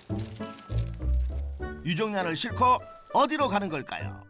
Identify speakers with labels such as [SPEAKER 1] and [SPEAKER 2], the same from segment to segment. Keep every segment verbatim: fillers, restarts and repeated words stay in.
[SPEAKER 1] 유정란을 싣고 어디로 가는 걸까요?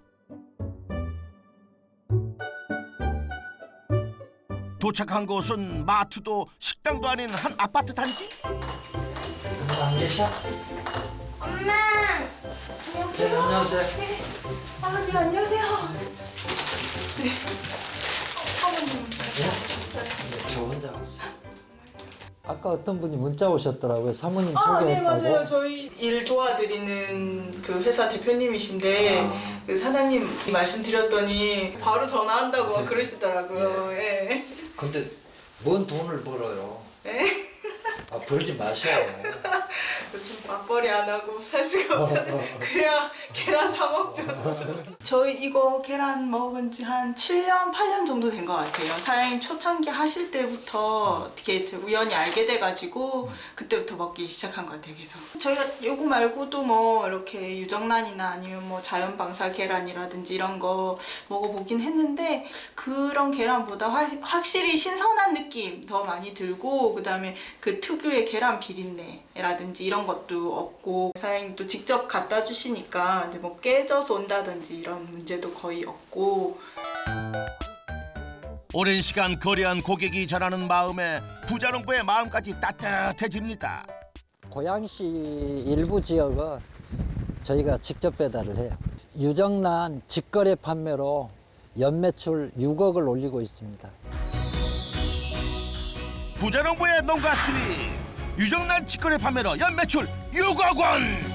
[SPEAKER 1] 도착한 곳은 마트도 식당도 아닌 한 아파트 단지?
[SPEAKER 2] 안 계셔?
[SPEAKER 3] 엄마!
[SPEAKER 2] 네, 안녕하세요.
[SPEAKER 3] 네. 아버님 안녕하세요. 네. 사모님 오셨어요.
[SPEAKER 2] 네, 저 혼자 왔어요. 아까 어떤 분이 문자 오셨더라고요. 사모님
[SPEAKER 3] 아, 네,
[SPEAKER 2] 소개했다고.
[SPEAKER 3] 맞아요. 저희 일 도와드리는 그 회사 대표님이신데
[SPEAKER 2] 아.
[SPEAKER 3] 그 사장님 말씀드렸더니 바로 전화한다고 막 그러시더라고요. 예.
[SPEAKER 2] 근데 뭔 돈을 벌어요?
[SPEAKER 3] 네.
[SPEAKER 2] 아, 벌지 마셔요.
[SPEAKER 3] 요즘 맞벌이 안 하고 살 수가 없잖아요. 그래야 계란 사 먹죠. 저희 이거 계란 먹은 지 한 칠 년, 팔 년 정도 된 것 같아요. 사장님 초창기 하실 때부터 어떻게 우연히 알게 돼가지고 그때부터 먹기 시작한 것 같아요. 계속. 저희가 요거 말고도 뭐 이렇게 유정란이나 아니면 뭐 자연방사 계란이라든지 이런 거 먹어보긴 했는데 그런 계란보다 화, 확실히 신선한 느낌 더 많이 들고 그다음에 그 특유의 계란 비린내라든지 이런 것도 없고 사장님도 직접 갖다 주시니까 이제 뭐 깨져서 온다든지 이런 문제도 거의 없고.
[SPEAKER 1] 오랜 시간 거래한 고객이 전하는 마음에 부자농부의 마음까지 따뜻해집니다.
[SPEAKER 2] 고양시 일부 지역은 저희가 직접 배달을 해요. 유정란 직거래 판매로 연매출 육억을 올리고 있습니다.
[SPEAKER 1] 부자농부의 농가 수익 유정란 직거래 판매로 연매출 육억 원.